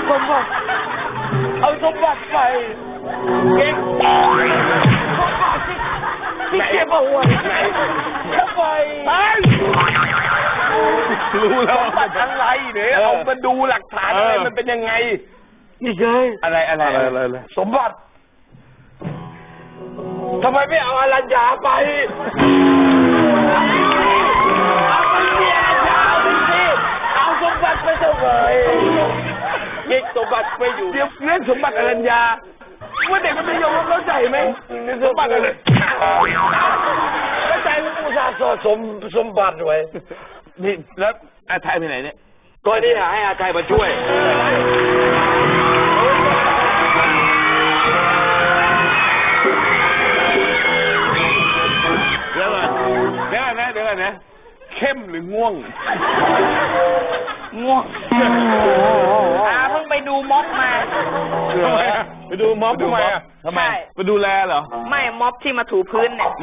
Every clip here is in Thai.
สมบัติเอาสมบัติไปเก่งสมบัติที่เก็บเอาไว้ทำไมรู้แล้วสมบัติอะไรเนี่ยเอามาดูหลักฐานอะไรมันเป็นยังไงนี่ไงอะไรสมบัติทำไมไม่เอาอรัญญาไปเอาสมบัติไปเท่าไหร่เก็บสมบัติไปอยู่เดี๋ยวเรื่องสมบัติอรัญญาว่าเด็กมันจะยอมเข้าใจไหมสมบัติอะไรเข้าใจว่าอุตส่าห์สมบัติไว้นี่แล้วอาไทยไปไหนเนี่ยก็นี่ให้อาไทยมาช่วยเดี๋ยวก่อนนะเข้มหรือง่วงเพิ่งไปดูม็อบมาไปดูม็อบทำไมไปดูแลเหรอไม่ม็อบที่มาถูพื้นเนี่ย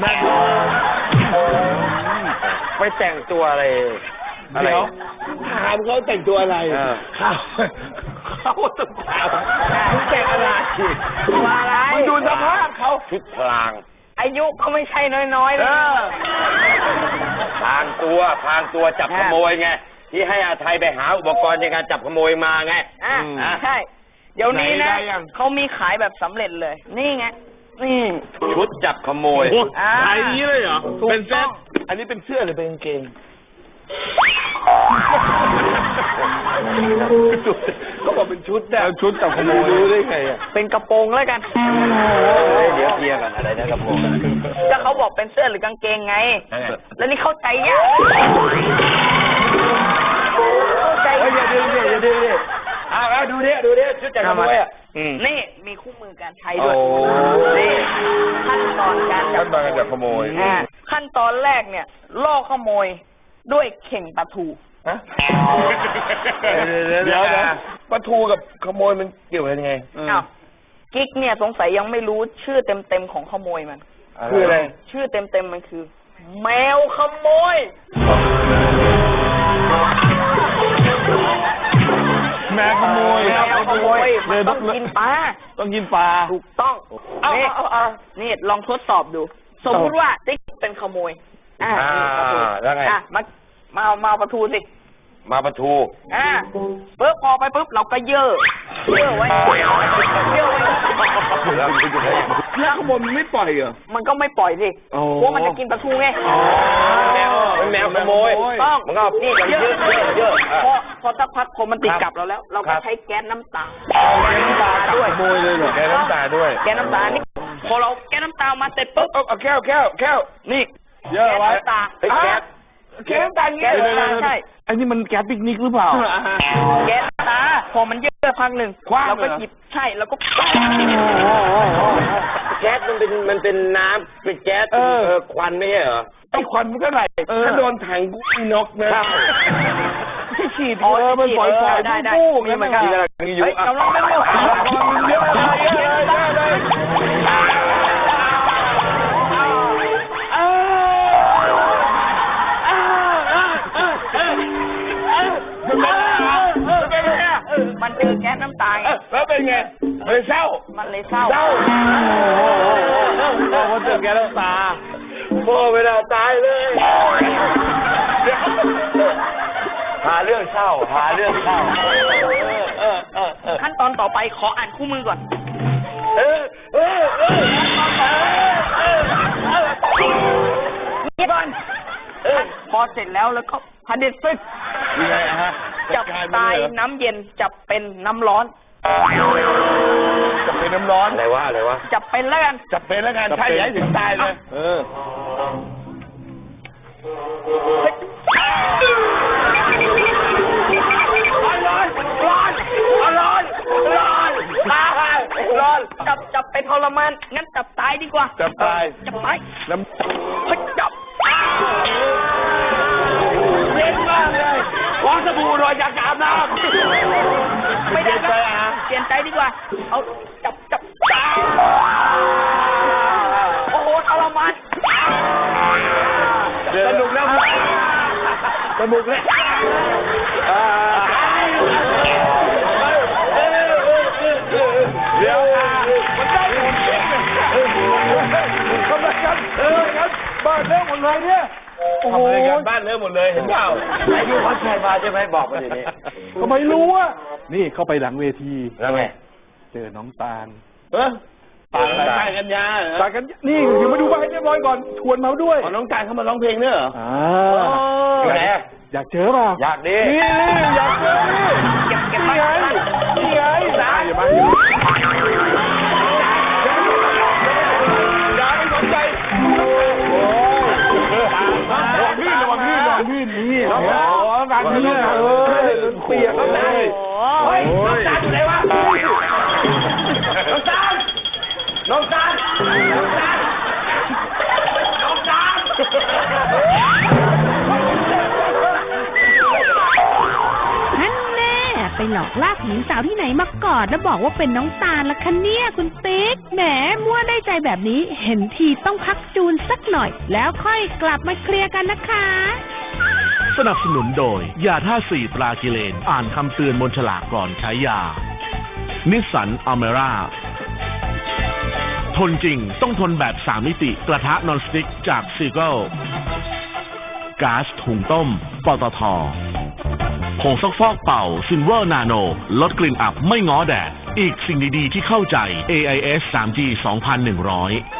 ไปแต่งตัวอะไรเดี๋ยวถามเขาแต่งตัวอะไรเขาต้องถามมึงแต่งอะไรมึงดูสภาพเขาชุดพลางอายุก็ไม่ใช่น้อยๆเลยพรางตัวจับขโมยไงที่ให้อาไทยไปหาอุปกรณ์ในการจับขโมยมาไงใช่เดี๋ยวนี้นะเขามีขายแบบสำเร็จเลยนี่ไงนี่ชุดจับขโมยขายนี้เลยเหรอเป็นเสื้ออันนี้เป็นเสื้อหรือเป็นกางเกงก็บอกเป็นชุดแต่ชุดจับขโมยรู้ได้ไงเป็นกระโปรงแล้วกันเดี๋ยวเคลียร์กันอะไรนะกระโปรงก็เขาบอกเป็นเสื้อหรือกางเกงไงแล้วนี่เข้าใจยากอย่าดื้อเอาดูดิชุดจับขโมยนี่มีคู่มือการใช้ด้วยนี่ขั้นตอนการจับขโมยขั้นตอนแรกเนี่ยล่อขโมยด้วยเข่งปลาทูเดี๋ยวปลาทูกับขโมยมันเกี่ยวกันยังไงกิ๊กเนี่ยสงสัยยังไม่รู้ชื่อเต็มของขโมยมันคืออะไรชื่อเต็มมันคือแมวขโมยแมวขโมยมันต้องกินปลาถูกต้องนี่ลองทดสอบดูสมมติว่าติ๊กเป็นขโมยแล้วไงมาปลาทูสิมาปลาทูปุ๊บพอไปปุ๊บเราก็เยื่อไว้แล้วขโมยมันไม่ปล่อยเหรอมันก็ไม่ปล่อยสิเพราะมันจะกินปลาทูไงแมวขโมยต้องมันก็นี่เยอะพอสักพักพอมันติดกับเราแล้วเราก็ใช้แก๊สน้ำตาด้วยขโมยเลยเหรอแก๊สน้ำตาด้วยแก๊สน้ำตานี่พอเราแก๊สน้ำตามาเสร็จปุ๊บเอาแก้วนี่เยอะไว้แก๊สน้ำตาใช่อันนี้มันแก๊สปิกนิกหรือเปล่าแก๊สน้ำตาพอมันเยอะพักหนึ่งเราก็หยิบใช่แล้วก็แก๊สมันเป็นน้ำเป็นแก๊สควันไม่ใช่เหรอไอ้ควันมันก็ไหลถ้าโดนถังกูนกนะที่ฉีดมันปล่อยได้มีเหมือนกันกำลังเป็นเยอะมันเจอแก๊สน้ำตาไงแล้วเป็นไงเลยเศร้ามันเลยเศร้าพอเจอแก๊สน้ำตาพ่อไม่น่าตายเลยหาเรื่องเศร้าขั้นตอนต่อไปขออ่านคู่มือก่อนก่อนพอเสร็จแล้วก็พันเด็ดซึกจับตายน้ำเย็นจับเป็นน้ำร้อนจับเป็นน้ำร้อนอะไรวะจับเป็นแล้วกันใช่ใหญ่ถึงตายเลยร้อนจับไปทรมานงั้นจับตายดีกว่าจับตายน้ำจับเล่นมากเลยขอสบู่หน่อยอยากอาบน้ำไม่ได้เปลี่ยนใจดีกว่าเอาจับโอ้โหทรมานสนุกแล้วทำรายการบ้านเริ่มหมดเลยเห็นเปล่าไอ้ยูเขาแชร์มาใช่ไหมบอกมาเดี๋ยวนี้ทำไมรู้อ่ะนี่เข้าไปหลังเวทีแล้วไงเจอน้องตาลตายกันยาตาลกันนี่เดี๋ยวมาดูใบให้เรียบร้อยก่อนชวนมาด้วยน้องการเข้ามาร้องเพลงเนี่ยเหรออยู่ไหนอยากเจอเปล่าอยากดีนี่อยากเจอนี่เก็บนี่มาไงนี่ไงอย่ามาอย่าไม่สนใจระวังลื่นนี่โอ้โหการลื่นเปียกเลยเฮ้ยน้องตาลอยู่ไหนวะน้องตาลน้องตาลน้องตาลน้องตาลนั่นแน่ไปหลอกลากหญิงสาวที่ไหนมากอดแล้วบอกว่าเป็นน้องตาลละคะเนี่ยคุณติ๊กแหมมั่วได้ใจแบบนี้เห็นทีต้องพักจูนสักหน่อย แล้วค่อยกลับมาเคลียร์กันนะคะสนับสนุนโดยยาท่า4ปลากิเลนอ่านคำเตือนบนฉลากก่อนใช้ยานิสสันอเมร่าทนจริงต้องทนแบบ3มิติกระทะนอนสติ๊กจากซีเกิลก๊าซถุงต้มปตท.ผงซักฟอกเป่าซิลเวอร์นาโนลดกลิ่นอับไม่ง้อแดดอีกสิ่งดีๆที่เข้าใจ AIS 3G 2100